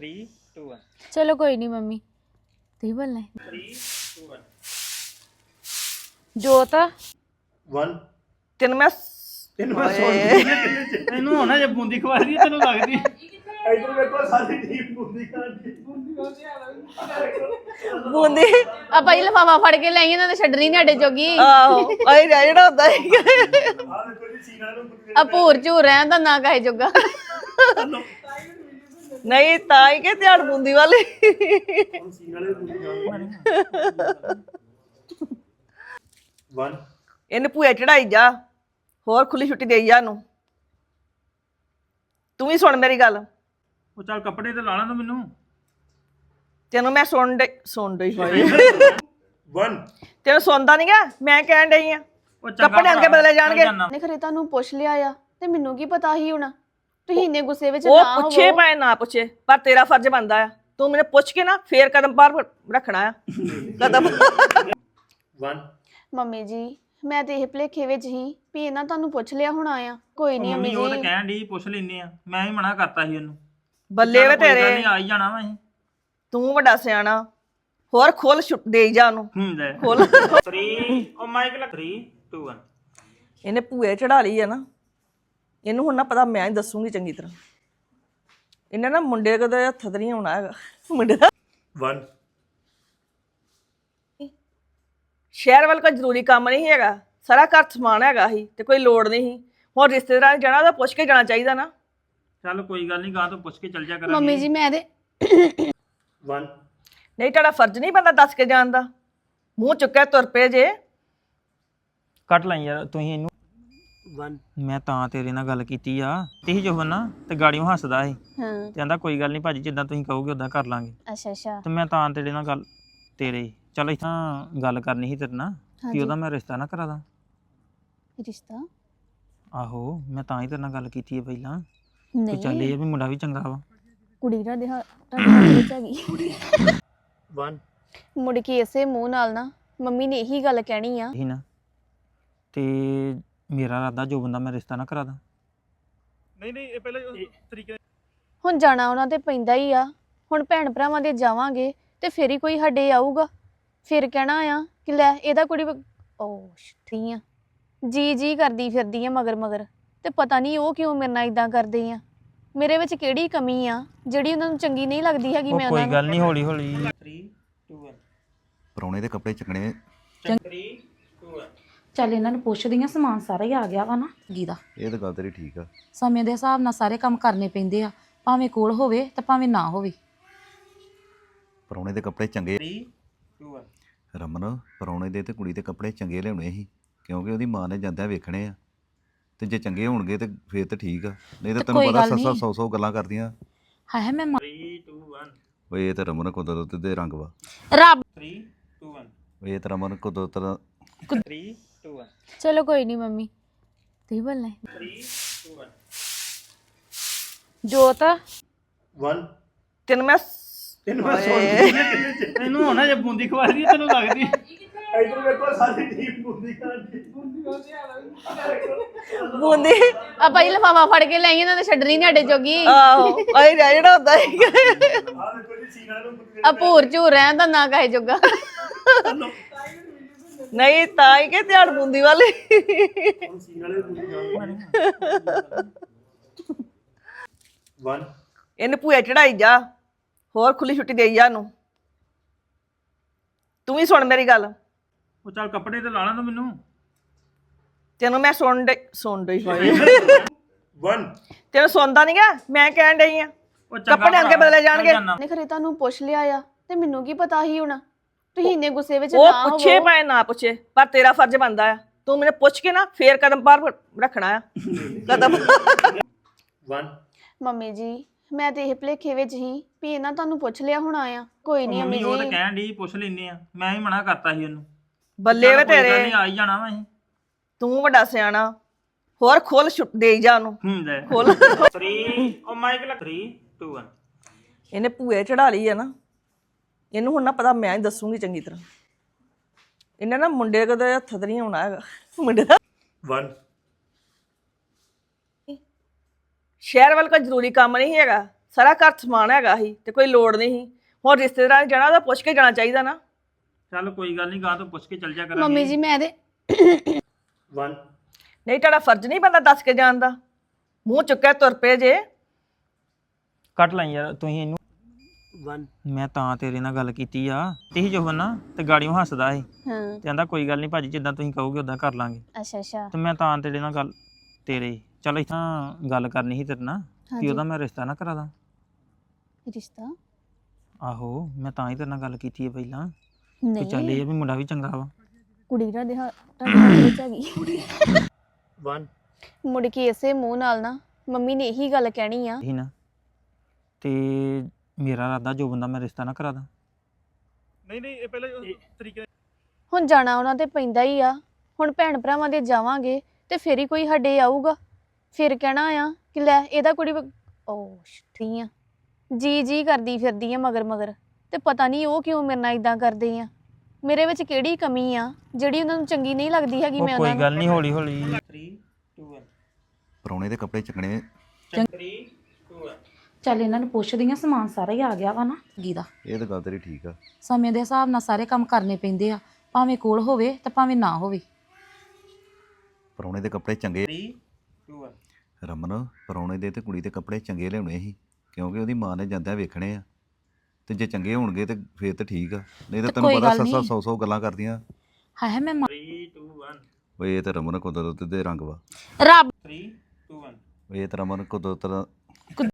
3 2 1 ਚਲੋ ਕੋਈ ਨਹੀਂ ਮੰਮੀ ਤੁਸੀਂ ਬੋਲਣਾ 3 2 1 ਜੋਤ 1 ਤੈਨੂੰ ਮੈਂ ਇਹਨੂੰ ਹੋਣਾ ਜੇ ਬੂੰਦੀ ਖਵਾ ਦੀ ਤੈਨੂੰ ਲੱਗਦੀ ਇਧਰ ਵੇਖੋ ਸਾਡੀ ਟੀਮ ਬੁੰਦੀ ਖਾਂਦੀ ਬੂੰਦੀ ਆ ਭਾਈ ਲਫਾਫਾ ਫੜ ਕੇ ਲਈ ਇਹਨਾਂ ਨੇ ਛੱਡਣੀ ਨੀ ਸਾਡੇ ਜੋਗੀ ਆਹੋ ਆਈ ਜਿਹੜਾ ਹੁੰਦਾ ਸੀ ਆ ਵੇਖੋ ਜੀ ਸੀਨਾ ਨੂੰ ਆ ਭੂਰ ਝੂਰ ਰਹਿਣ ਦਾ ਨਾ ਕਹੇ ਜੋਗਾ ਨਹੀਂ ਤਾਂ ਹੀ ਕਿ ਧਿਆਨ ਬੂੰਦੀ ਵਾਲੀ ਸੀਨਾ ਵਾਲੇ ਬੁੰਦੀ ਖਾਂਦੀ 1 ਇਹਨੇ ਭੂਆ ਚੜਾਈ ਜਾ ਹੋਰ ਖੁੱਲੀ ਛੁੱਟੀ ਦੇਈ ਜਾ ਨੂੰ ਤੂੰ ਵੀ ਸੁਣ ਮੇਰੀ ਗੱਲ ਉਹ ਚੱਲ ਕੱਪੜੇ ਤੇ ਲਾ ਲਾਂ ਤੂੰ ਮੈਨੂੰ ਤੈਨੂੰ ਮੈਂ ਸੁਣ ਡਈ 1 ਤੈਨੂੰ ਸੁਣਦਾ ਨਹੀਂਗਾ ਮੈਂ ਕਹਿਣ ਡਈ ਆ ਉਹ ਚੰਗਾ ਕੱਪੜੇ ਅੰਗੇ ਬਦਲੇ ਜਾਣਗੇ ਨੇ ਖਰੇ ਤੁਹਾਨੂੰ ਪੁੱਛ ਲਿਆ ਆ ਤੇ ਮੈਨੂੰ ਕੀ ਪਤਾ ਹੀ ਹੋਣਾ ਤੁਸੀਂ ਇੰਨੇ ਗੁੱਸੇ ਵਿੱਚ ਉਹ ਨਾ ਪੁੱਛੇ ਹੋਵੋ ਭਾਵੇਂ ਨਾ ਪੁੱਛੇ ਪਰ ਤੇਰਾ ਫਰਜ਼ ਬਣਦਾ ਆ ਤੂੰ ਮੈਨੂੰ ਪੁੱਛ ਕੇ ਨਾ ਫੇਰ ਕਦਮ ਬਾਹਰ ਰੱਖਣਾ ਆ ਕਦਮ 1 ਮੰਮੀ ਜੀ ਮੈਂ ਤੇ ਇਹ ਭੁਲੇਖੇ ਵਿੱਚ ਹੀ ਵੀ ਇਹਨਾਂ ਤੁਹਾਨੂੰ ਪੁੱਛ ਲਿਆ ਹੋਣਾ ਆ ਕੋਈ ਨਹੀਂ ਮੰਮੀ ਮੰਮੀ ਉਹ ਤਾਂ ਜੀ ਕਹਿਣ ਦੀ ਪੁੱਛ ਲੈਨੇ ਆ ਮੈਂ ਹੀ ਮਨਾ ਕਰਤਾ ਸੀ ਉਹਨੂੰ ਬੱਲੇ ਵੇ ਤੇਰੇ ਨਹੀਂ ਆ ਹੀ ਜਾਣਾ ਵਾ ਅਸੀਂ ਤੂੰ ਵੱਡਾ ਸਿਆਣਾ ਹੋਰ ਖੋਲ ਦੇਈ ਜਾ ਉਹਨੂੰ ਲੈ ਖੋਲ 3 ਉਹ ਮਾਈਕ ਲਾ 3 2 1 ਇਹਨੇ ਭੂਏ ਚੜਾ ਲਈ ਆ ਨਾ ਇਹਨੂੰ ਹੁਣ ਨਾ ਪਤਾ ਮੈਂ ਹੀ ਦੱਸੂਗੀ ਚੰਗੀ ਤਰ੍ਹਾਂ ਇਹਨੇ ਨਾ ਮੁੰਡੇ ਕਦੇ ਹੱਥ ਤੇ ਨਹੀਂ ਆਉਣਾ ਹੈਗਾ ਮੁੰਡੇ ਦਾ 1 ਸ਼ਹਿਰ ਵੱਲ ਕੋਈ ਜ਼ਰੂਰੀ ਕੰਮ ਨਹੀਂ ਹੈਗਾ ਸਾਰਾ ਘਰ ਸਮਾਨ ਹੈਗਾ ਹੀ ਤੇ ਕੋਈ ਲੋੜ ਨਹੀਂ ਸੀ ਹੁਣ ਰਿਸ਼ਤੇਦਾਰਾਂ ਨੇ ਜਾਣਾ ਤਾਂ ਪੁੱਛ ਕੇ ਜਾਣਾ ਚਾਹੀਦਾ ਨਾ ਚੱਲ ਕੋਈ ਗੱਲ ਨਹੀਂ ਗਾਂ ਤੋਂ ਪੁੱਛ ਕੇ ਚੱਲ ਜਾ ਕਰਾਂਗੇ ਮੰਮੀ ਜੀ ਮੈਂ ਤੇ 1 ਨਹੀਂ ਤੁਹਾਡਾ ਫਰਜ਼ ਨਹੀਂ ਬੰਦਾ ਦੱਸ ਕੇ ਜਾਣ ਦਾ ਮੂੰਹ ਚੁੱਕਿਆ ਤੁਰ ਪਏ ਜੇ ਕੱਟ ਲਈ ਯਾਰ ਤੁਸੀਂ ਇਹਨੂੰ 1 ਮੈਂ ਤਾਂ ਤੇਰੇ ਨਾਲ ਗੱਲ ਕੀਤੀ ਆ ਤੇ ਜੋ ਬੰਨਾ ਤੇ ਗਾੜੀਆਂ ਹੱਸਦਾ ਸੀ ਹਾਂ ਤੇ ਕਹਿੰਦਾ ਕੋਈ ਗੱਲ ਨਹੀਂ ਭਾਜੀ ਜਿੱਦਾਂ ਤੁਸੀਂ ਕਹੋਗੇ ਉਦਾਂ ਕਰ ਲਾਂਗੇ ਅੱਛਾ ਅੱਛਾ ਤੇ ਮੈਂ ਤਾਂ ਤੇਰੇ ਨਾਲ ਗੱਲ ਤੇਰੇ ਚੱਲ ਇੱਥਾਂ ਗੱਲ ਕਰਨੀ ਸੀ ਤੇਰੇ ਨਾਲ ਕਿ ਉਹਦਾ ਮੈਂ ਰਿਸ਼ਤਾ ਨਾ ਕਰਾ ਦਾਂ ਰਿਸ਼ਤਾ ਆਹੋ ਮੈਂ ਤਾਂ ਹੀ ਤੇਰੇ ਨਾਲ ਗੱਲ ਕੀਤੀ ਹੈ ਪਹਿਲਾਂ ਕਿ ਨਹੀਂ ਚੱਲ ਇਹ ਵੀ ਮੁੰਡਾ ਵੀ ਚੰਗਾ ਵਾ ਕੁੜੀ ਦਾ ਦੇ ਤੁਹਾਡੇ ਵਿੱਚ ਹੈਗੀ 1 ਮੁੜ ਕੇ ਇਸੇ ਮੂੰਹ ਨਾਲ ਨਾ ਮੰਮੀ ਨੇ ਇਹੀ ਗੱਲ ਕਹਿਣੀ ਆ ਹੀ ਨਾ ਤੇ ਮੇਰਾ ਇਰਾਦਾ ਜੋ ਬੰਦਾ ਮੈਂ ਰਿਸ਼ਤਾ ਨਾ ਕਰਾ ਦਾਂ ਨਹੀਂ ਇਹ ਪਹਿਲਾਂ ਤਰੀਕੇ ਹੁਣ ਜਾਣਾ ਉਹਨਾਂ ਤੇ ਪੈਂਦਾ ਹੀ ਆ ਹੁਣ ਭੈਣ ਭਰਾਵਾਂ ਦੇ ਜਾਵਾਂਗੇ ਤੇ ਫਿਰ ਹੀ ਕੋਈ ਸਾਡੇ ਆਊਗਾ ਫਿਰ ਕਹਿਣਾ ਆ ਕਿ ਲੈ ਇਹਦਾ ਕੁੜੀ ਓ ਠੀਕ ਆ ਜੀ ਕਰਦੀ ਫਿਰਦੀ ਆ ਮਗਰ ਮਗਰ ਤੇ ਪਤਾ ਨਹੀਂ ਉਹ ਕਿਉਂ ਮੇਰੇ ਨਾਲ ਇਦਾਂ ਕਰਦੇ ਆ ਮੇਰੇ ਵਿੱਚ ਕਿਹੜੀ ਕਮੀ ਆ ਜਿਹੜੀ ਉਹਨਾਂ ਨੂੰ ਚੰਗੀ ਨਹੀਂ ਲੱਗਦੀ ਹੈਗੀ ਮੈਂ ਕੋਈ ਉਹਨਾਂ ਗੱਲ ਨਹੀਂ ਹੌਲੀ ਹੌਲੀ 3 2 1 ਪਰੌਣੇ ਦੇ ਕੱਪੜੇ ਚੱਕਣੇ 3 2 1 ਚੱਲ ਇਹਨਾਂ ਨੂੰ ਪੁੱਛਦੀ ਆ ਸਮਾਨ ਸਾਰਾ ਹੀ ਆ ਗਿਆ ਵਾ ਨਾ ਗੀਦਾ ਇਹ ਤਾਂ ਗੱਲ ਤੇਰੀ ਠੀਕ ਆ ਸਮੇਂ ਦੇ ਹਿਸਾਬ ਨਾਲ ਸਾਰੇ ਕੰਮ ਕਰਨੇ ਪੈਂਦੇ ਆ ਭਾਵੇਂ ਕੋਲ ਹੋਵੇ ਤੇ ਭਾਵੇਂ ਨਾ ਹੋਵੇ ਪਰੌਣੇ ਦੇ ਕੱਪੜੇ ਚੰਗੇ 3 2 1 ਰਮਨ ਪਰੌਣੇ ਦੇ ਤੇ ਕੁੜੀ ਦੇ ਕੱਪੜੇ ਚੰਗੇ ਲਿਆਉਣੇ ਸੀ ਕਿਉਂਕਿ ਉਹਦੀ ਮਾਂ ਨੇ ਜਾਂਦਿਆਂ ਵੇਖਣੇ ਆ ਤੇ ਜੇ ਚੰਗੇ ਹੋਣਗੇ ਤੇ ਫੇਰ ਤਾਂ ਠੀਕ ਆ ਨਹੀਂ ਤਾਂ ਤੈਨੂੰ ਕੋਈ ਪਤਾ ਗੱਲ ਸੱਸਾਂ ਨਹੀਂ। 100 ਗੱਲਾਂ ਕਰਦੀਆਂ ਹਾਏ ਮੈਂ 3 2 1 ਓਏ ਇਹ ਤਾਂ ਰਮਨ ਕੁਦਰਤ ਦੇ ਰੰਗ ਵਾ ਰੱਬ 3 2 1 ਓਏ ਇਹ ਤਾਂ ਰਮਨ ਕੁਦਰਤ ਦਾ 3 2 1 ਚਲੋ ਕੋਈ ਨਹੀਂ ਮੰਮੀ ਤੁਸੀਂ ਬੋਲਣਾ 3 2 1 ਜੋਤ 1 ਤੈਨੂੰ ਮੈਂ ਇਹਨੂੰ ਹੋਣਾ ਜੇ ਬੂੰਦੀ ਖਵਾ ਦੀ ਤੈਨੂੰ ਲੱਗਦੀ ਇਧਰ ਵੇਖੋ ਸਾਡੀ ਟੀਮ ਬੁੰਦੀ ਖਾਂਦੀ ਬੂੰਦੀ ਆ ਭਾਈ ਲਫਾਫਾ ਫੜ ਕੇ ਲਈ ਇਹਨਾਂ ਨੇ ਛੱਡਣੀ ਨੀ ਸਾਡੇ ਜੋਗੀ ਆਹੋ ਆਈ ਜਿਹੜਾ ਹੁੰਦਾ ਸੀ ਆ ਵੇਖੋ ਜੀ ਸੀਨਾ ਨੂੰ ਆ ਭੂਰ ਝੂਰ ਰਹਿਣ ਦਾ ਨਾ ਕਹੇ ਜੋਗਾ ਨਹੀਂ ਤਾਂ ਹੀ ਕਿ ਧਿਆਨ ਬੂੰਦੀ ਵਾਲੀ ਸੀਨਾ ਵਾਲੇ ਬੁੰਦੀ ਖਾਂਦੀ 1 ਇਹਨੇ ਭੂਆ ਚੜਾਈ ਜਾ ਹੋਰ ਖੁੱਲੀ ਛੁੱਟੀ ਦੇਈ ਜਾ ਨੂੰ ਤੂੰ ਵੀ ਸੁਣ ਮੇਰੀ ਗੱਲ ਉਹ ਚੱਲ ਕੱਪੜੇ ਤੇ ਲਾ ਲਾਂ ਤੂੰ ਮੈਨੂੰ ਤੈਨੂੰ ਮੈਂ ਸੁਣ ਡਈ 1 ਤੈਨੂੰ ਸੁਣਦਾ ਨਹੀਂਗਾ ਮੈਂ ਕਹਿਣ ਡਈ ਆ ਉਹ ਚੰਗਾ ਕੱਪੜੇ ਅੰਗੇ ਬਦਲੇ ਜਾਣਗੇ ਨੇ ਖਰੇ ਤੁਹਾਨੂੰ ਪੁੱਛ ਲਿਆ ਆ ਤੇ ਮੈਨੂੰ ਕੀ ਪਤਾ ਹੀ ਹੋਣਾ ਤੁਸੀਂ ਇੰਨੇ ਗੁੱਸੇ ਵਿੱਚ ਉਹ ਨਾ ਪੁੱਛੇ ਹੋਵੋ ਭਾਵੇਂ ਨਾ ਪੁੱਛੇ ਪਰ ਤੇਰਾ ਫਰਜ਼ ਬਣਦਾ ਆ ਤੂੰ ਮੈਨੂੰ ਪੁੱਛ ਕੇ ਨਾ ਫੇਰ ਕਦਮ ਬਾਹਰ ਰੱਖਣਾ ਆ ਕਦਮ 1 ਮੰਮੀ ਜੀ ਮੈਂ ਤੇ ਇਹ ਭੁਲੇਖੇ ਵਿੱਚ ਹੀ ਵੀ ਇਹਨਾਂ ਤੁਹਾਨੂੰ ਪੁੱਛ ਲਿਆ ਹੋਣਾ ਆ ਕੋਈ ਨਹੀਂ ਮੰਮੀ ਮੰਮੀ ਉਹ ਤਾਂ ਜੀ ਕਹਿਣ ਦੀ ਪੁੱਛ ਲੈਨੇ ਆ ਮੈਂ ਹੀ ਮਨਾ ਕਰਤਾ ਸੀ ਉਹਨੂੰ ਬੱਲੇ ਵੇ ਚੱਲ ਕੋਈ ਗੱਲ ਤੇਰੇ ਨਹੀਂ ਆ ਹੀ ਜਾਣਾ ਵਾ ਅਸੀਂ ਤੂੰ ਵੱਡਾ ਸਿਆਣਾ ਹੋਰ ਖੋਲ ਦੇਈ ਜਾ ਉਹਨੂੰ ਲੈ ਖੋਲ 3 ਉਹ ਮਾਈਕ ਲਾ 3 2 1 ਇਹਨੇ ਭੂਏ ਚੜਾ ਲਈ ਆ ਨਾ ਇਹਨੂੰ ਹੁਣ ਨਾ ਪਤਾ ਮੈਂ ਹੀ ਦੱਸੂਗੀ ਚੰਗੀ ਤਰ੍ਹਾਂ ਇਹਨੇ ਨਾ ਮੁੰਡੇ ਕਦੇ ਹੱਥ ਤੇ ਨਹੀਂ ਆਉਣਾ ਹੈਗਾ ਮੁੰਡੇ ਦਾ 1 ਸ਼ਹਿਰ ਵੱਲ ਕੋਈ ਜ਼ਰੂਰੀ ਕੰਮ ਨਹੀਂ ਹੈਗਾ ਸਾਰਾ ਘਰ ਸਮਾਨ ਹੈਗਾ ਸੀ ਤੇ ਕੋਈ ਲੋੜ ਨਹੀਂ ਸੀ। ਹੁਣ ਰਿਸ਼ਤੇਦਾਰਾਂ ਨੇ ਜਾਣਾ ਉਹਦਾ ਪੁੱਛ ਕੇ ਜਾਣਾ ਚਾਹੀਦਾ ਨਾ। ਚੱਲ ਕੋਈ ਗੱਲ ਨਹੀਂ, ਗਾਂ ਤੋਂ ਪੁੱਛ ਕੇ ਚੱਲ ਜਾ ਕਰਾਂਗੇ। ਮੰਮੀ ਜੀ ਮੈਂ ਤੇ 1 ਨਹੀਂ ਤੁਹਾਡਾ ਫਰਜ਼ ਨਹੀਂ ਬੰਦਾ ਦੱਸ ਕੇ ਜਾਣ ਦਾ, ਮੂੰਹ ਚੁੱਕਿਆ ਤੁਰ ਪਏ ਜੇ। ਕੱਟ ਲਈ ਯਾਰ ਤੁਸੀਂ ਇਹਨੂੰ। 1 ਮੈਂ ਤਾਂ ਤੇਰੇ ਨਾਲ ਗੱਲ ਕੀਤੀ ਆ ਇਹੀ ਜੋ ਬੰਨਾ ਤੇ ਗਾੜੀਆਂ ਹੱਸਦਾ ਸੀ ਹਾਂ ਤੇ ਕਹਿੰਦਾ ਕੋਈ ਗੱਲ ਨਹੀਂ ਭਾਜੀ, ਜਿੱਦਾਂ ਤੁਸੀਂ ਕਹੋਗੇ ਉਦਾਂ ਕਰ ਲਾਂਗੇ। ਅੱਛਾ ਅੱਛਾ ਤੇ ਮੈਂ ਤਾਂ ਤੇਰੇ ਨਾਲ ਗੱਲ ਚੱਲ ਇੱਥਾਂ ਗੱਲ ਕਰਨੀ ਸੀ ਤੇਰੇ ਨਾਲ ਕਿ ਹਾਂਜੀ ਉਹਦਾ ਮੈਂ ਰਿਸ਼ਤਾ ਨਾ ਕਰਾ ਦਾਂ। ਰਿਸ਼ਤਾ ਆਹੋ ਮੈਂ ਤਾਂ ਹੀ ਤੇਰੇ ਨਾਲ ਗੱਲ ਕੀਤੀ ਹੈ ਪਹਿਲਾਂ ਕਿ ਚੱਲ ਨਹੀਂ ਇਹ ਆ ਵੀ ਮੁੰਡਾ ਵੀ ਚੰਗਾ ਵਾ। ਕੁੜੀ ਦਾ ਦੇ ਤੁਹਾਡੇ ਹੱਥ ਵਿੱਚ ਹੈਗੀ 1 ਮੁੜ ਕੇ ਇਸੇ ਮੂੰਹ ਨਾਲ ਨਾ ਮੰਮੀ ਨੇ ਇਹੀ ਗੱਲ ਕਹਿਣੀ ਆ ਹੀ ਨਾ ਤੇ ਮੇਰਾ ਇਰਾਦਾ ਜੋ ਬੰਦਾ ਮੈਂ ਰਿਸ਼ਤਾ ਨਾ ਕਰਾ ਦਾਂ। ਨਹੀਂ ਇਹ ਪਹਿਲਾਂ ਤਰੀਕੇ ਹੁਣ ਜਾਣਾ ਉਹਨਾਂ ਤੇ ਪੈਂਦਾ ਹੀ ਆ। ਹੁਣ ਭੈਣ ਭਰਾਵਾਂ ਦੇ ਜਾਵਾਂਗੇ ਤੇ ਫਿਰ ਹੀ ਕੋਈ ਸਾਡੇ ਆਊਗਾ। ਫਿਰ ਕਹਿਣਾ ਆ ਕਿ ਲੈ ਇਹਦਾ ਕੁੜੀ ਓ ਛਿੱਠੀ ਆ ਜੀ ਕਰਦੀ ਫਿਰਦੀ ਆ ਮਗਰ ਮਗਰ, ਤੇ ਪਤਾ ਨਹੀਂ ਉਹ ਕਿਉਂ ਮੇਰੇ ਨਾਲ ਇਦਾਂ ਕਰਦੇ ਆ। ਮੇਰੇ ਵਿੱਚ ਕਿਹੜੀ ਕਮੀ ਆ ਜਿਹੜੀ ਉਹਨਾਂ ਨੂੰ ਚੰਗੀ ਨਹੀਂ ਲੱਗਦੀ ਹੈਗੀ। ਉਹ ਮੈਂ ਕੋਈ ਉਹਨਾਂ ਗੱਲ ਨਹੀਂ, ਹੌਲੀ ਹੌਲੀ 3 2 1 ਪਰੌਣੇ ਦੇ ਕੱਪੜੇ ਚੱਕਣੇ 3 2 1 ਚੱਲ ਇਹਨਾਂ ਨੂੰ ਪੁੱਛਦੀ ਆ, ਸਮਾਨ ਸਾਰਾ ਹੀ ਆ ਗਿਆ ਵਾ ਨਾ ਗੀਦਾ। ਇਹ ਤਾਂ ਗੱਲ ਤੇਰੀ ਠੀਕ ਆ। ਸਮੇਂ ਦੇ ਹਿਸਾਬ ਨਾਲ ਸਾਰੇ ਕੰਮ ਕਰਨੇ ਪੈਂਦੇ ਆ, ਭਾਵੇਂ ਕੋਲ ਹੋਵੇ ਤੇ ਭਾਵੇਂ ਨਾ ਹੋਵੇ। ਪਰੌਣੇ ਦੇ ਕੱਪੜੇ ਚੰਗੇ 3 2 1 ਰਮਨ, ਪਰੌਣੇ ਦੇ ਤੇ ਕੁੜੀ ਦੇ ਕੱਪੜੇ ਚੰਗੇ ਲਿਆਉਣੇ ਸੀ ਕਿਉਂਕਿ ਉਹਦੀ ਮਾਂ ਨੇ ਜਾਂਦਿਆਂ ਵੇਖਣੇ ਆ ਤੇ ਜੇ ਚੰਗੇ ਹੋਣਗੇ ਤੇ ਫੇਰ ਤਾਂ ਠੀਕ ਆ, ਨਹੀਂ ਤਾਂ ਤੇ ਤੈਨੂੰ ਕੋਈ ਪਤਾ ਗੱਲ ਸੱਸਾਂ ਨਹੀਂ। 100 ਗੱਲਾਂ ਕਰਦੀਆਂ। ਹਾਏ ਮੈਂ 3 2 1 ਓਏ ਇਹ ਤਾਂ ਰਮਨ ਕੁਦਰਤ ਦੇ ਰੰਗ ਵਾ। ਰੱਬ 3 2 1 ਓਏ ਇਹ ਤਾਂ ਰਮਨ ਕੁਦਰਤ ਦਾ